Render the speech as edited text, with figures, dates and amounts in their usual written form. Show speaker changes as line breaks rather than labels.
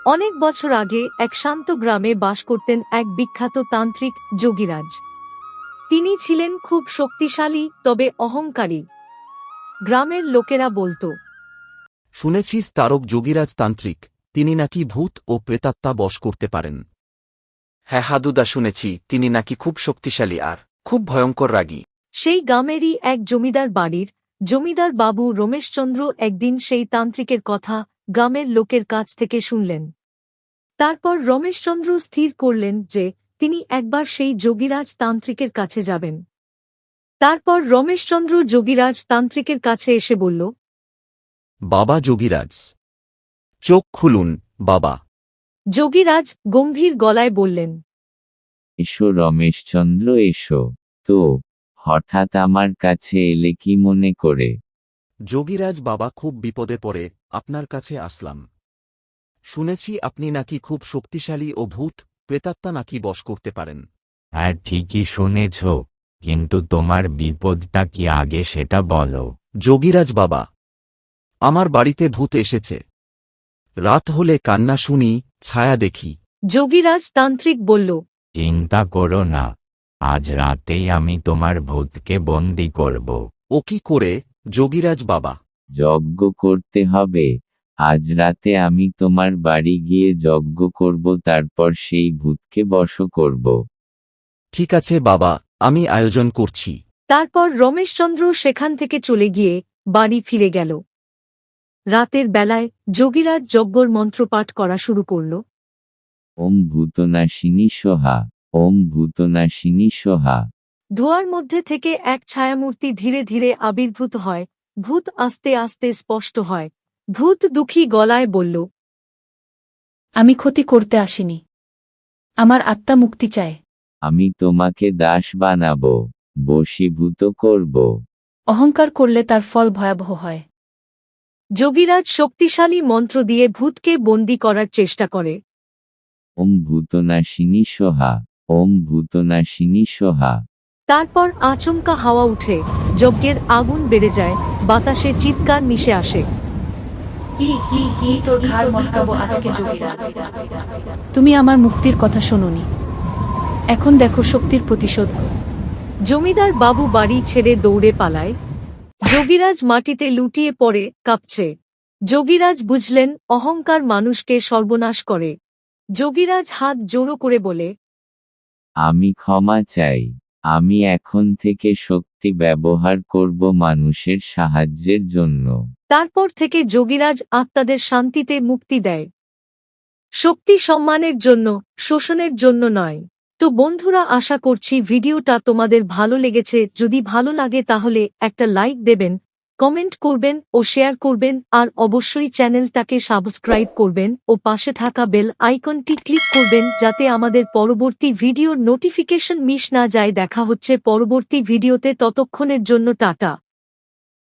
অনেক বছর আগে এক শান্ত গ্রামে বাস করতেন এক বিখ্যাত তান্ত্রিক যোগীরাজ। তিনি ছিলেন খুব শক্তিশালী তবে অহংকারী। গ্রামের লোকেরা বলতো,
শুনেছিস তারক যোগীরাজ তান্ত্রিক, তিনি নাকি ভূত ও প্রেতাত্মা বশ করতে পারেন। হ্যাঁ হাদুদা, শুনেছি তিনি নাকি খুব শক্তিশালী আর খুব ভয়ঙ্কর রাগী।
সেই গ্রামেরই এক জমিদার বাড়ির জমিদার বাবু রমেশচন্দ্র একদিন সেই তান্ত্রিকের কথা গ্রামের লোকের কাছ থেকে শুনলেন। তারপর রমেশচন্দ্র স্থির করলেন যে তিনি একবার সেই যোগীরাজ তান্ত্রিকের কাছে যাবেন। তারপর রমেশচন্দ্র যোগীরাজ তান্ত্রিকের কাছে এসে বলল,
বাবা যোগীরাজ, চোখ খুলুন বাবা।
যোগীরাজ গম্ভীর গলায় বললেন,
এসো রমেশচন্দ্র, এসো। তো হঠাৎ আমার কাছে এলে কি মনে করে?
যোগীরাজ বাবা, খুব বিপদে পড়ে আপনার কাছে আসলাম। শুনেছি আপনি নাকি খুব শক্তিশালী ও ভূত প্রেতাত্মা নাকি বশ করতে পারেন।
হ্যাঁ, ঠিকই শুনেছ, কিন্তু তোমার বিপদটা কি আগে সেটা বলো।
যোগীরাজ বাবা, আমার বাড়িতে ভূত এসেছে। রাত হলে কান্না শুনি, ছায়া দেখি।
যোগীরাজ তান্ত্রিক বলল,
চিন্তা করো না, আজ রাতেই আমি তোমার ভূতকে বন্দি করব।
ও কি করে যোগীরাজ বাবা?
যজ্ঞ করতে হবে। আজ রাতে আমি তোমার বাড়ি গিয়ে যজ্ঞ করব, তারপর সেই ভূতকে বশ করব।
ঠিক আছে বাবা, আমি আয়োজন করছি।
তারপর রমেশচন্দ্র সেখান থেকে চলে গিয়ে বাড়ি ফিরে গেল। রাতের বেলায় যোগীরাজ যজ্ঞর মন্ত্রপাঠ করা শুরু করল।
ওম ভূতনাশিনী সোহা, ওম ভূতনাশিনী সোহা।
ধোঁয়ার মধ্যে থেকে এক ছায়ামূর্তি ধীরে ধীরে আবির্ভূত হয়। ভূত আস্তে আস্তে স্পষ্ট হয়। ভূত দুঃখী গলায় বলল,
আমি ক্ষতি করতে আসিনি, আমার আত্মা মুক্তি চায়।
আমি তোমাকে দাস বানাবো, বশীভূত করব।
অহংকার করলে তার ফল ভয়াবহ হয়।
যোগীরাজ শক্তিশালী মন্ত্র দিয়ে ভূতকে বন্দী করার চেষ্টা করে।
ওম ভূতনাশিনী সোহা, ওম ভূতনাশিনী সোহা।
তারপর আচমকা হাওয়া উঠে, যজ্ঞের আগুন বেড়ে যায়, বাতাসে চিৎকার মিশে আসে।
তুমি আমার মুক্তির কথা শোনোনি, এখন দেখো শক্তির প্রতিশোধ।
জমিদার বাবু বাড়ি ছেড়ে দৌড়ে পালায়। যোগীরাজ মাটিতে লুটিয়ে পড়ে কাঁপছে। যোগীরাজ বুঝলেন অহংকার মানুষকে সর্বনাশ করে। যোগীরাজ হাত জোড়ো করে বলে,
আমি ক্ষমা চাই। আমি এখন থেকে শক্তি ব্যবহার করব মানুষের সাহায্যের জন্য।
তারপর থেকে যোগীরাজ আত্মাদের শান্তিতে মুক্তি দেয়। শক্তি সম্মানের জন্য, শোষণের জন্য নয়। তো বন্ধুরা, আশা করছি ভিডিওটা তোমাদের ভালো লেগেছে। যদি ভালো লাগে তাহলে একটা লাইক দেবেন, কমেন্ট করবেন ও শেয়ার করবেন, আর অবশ্যই চ্যানেলটাকে সাবস্ক্রাইব করবেন ও পাশে থাকা বেল আইকনটি ক্লিক করবেন যাতে আমাদের পরবর্তী ভিডিওর নোটিফিকেশন মিস না যায়। দেখা হচ্ছে পরবর্তী ভিডিওতে, ততক্ষণের জন্য টাটা।